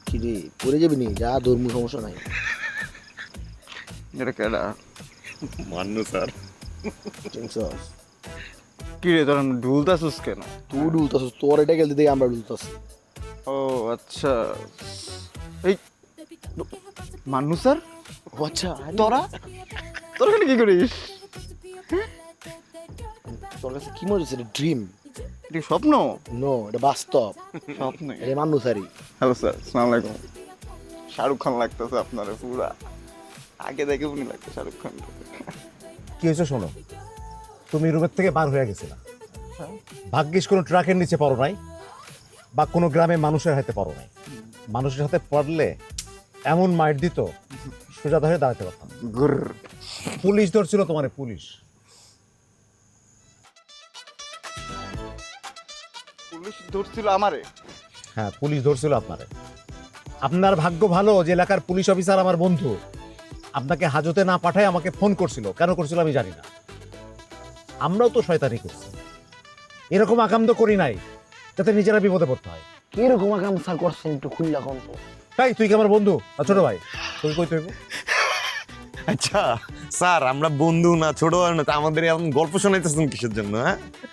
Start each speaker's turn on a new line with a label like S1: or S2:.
S1: কি রে পড়ে যাবি নি, যা ধর্ম সমস্যা নাই।
S2: এটা কেডা?
S3: মান্নু স্যার।
S1: চিনছস?
S2: কি রে তোর ঢুলতাছিস কেন?
S1: তুই ডুলতাছিস, তোর এটা গেলতে দেখে আমরা ডুলতাছি।
S2: ও আচ্ছা, এই মান্নু স্যার,
S1: ও আচ্ছা,
S2: তোরা তোরা এখানে কি করিস?
S1: তোর কাছে কি মনে হচ্ছে ড্রিম?
S2: এটা কি স্বপ্ন?
S1: নো, এটা বাস্তব।
S2: স্বপ্ন।
S1: এটা মান্নু স্যারই।
S2: হ্যালো স্যার, আসসালামু আলাইকুম। শাহরুখ খান লাগতেছে আপনারে পুরা, আগে দেখে উনি লাগতো শাহরুখ খান।
S4: কি হয়েছে শোনো, তুমি রুমের থেকে বার হয়ে গেছিলা, ভাগ্যিস কোনো ট্রাকের নিচে পড়ো নাই বা কোনো গ্রামে মানুষের হাতে পড়ো নাই। মানুষের হাতে পড়লে এমন মাইর দিত সোজা ধরে দাঁড়াতে পারতাম না।
S2: গুর।
S4: পুলিশ ধরছিল তোমার, পুলিশ।
S2: পুলিশ ধরছিল আমারে?
S4: হ্যাঁ, পুলিশ ধরছিল আপনারে। আপনার ভাগ্য ভালো যে এলাকার পুলিশ অফিসার আমার বন্ধু, আপনাকে হাজতে না পাঠায় আমাকে ফোন করছিল। কেন করছিল আমি জানি না, আমরাও তো শয়তানি করছি। এরকম আকাম তো করি নাই যাতে নিজেরা বিপদে পড়তে হয়।
S1: কিরকম আকাম স্যার করছেন একটু খুললা কোন তো?
S4: তাই তুই কি আমার বন্ধু আর ছোট ভাই? তুই কই তুই?
S3: আচ্ছা স্যার, আমরা বন্ধু না ছোট না, তা আমাদের এমন গল্প শোনাইতেছেন কিসের জন্য? হ্যাঁ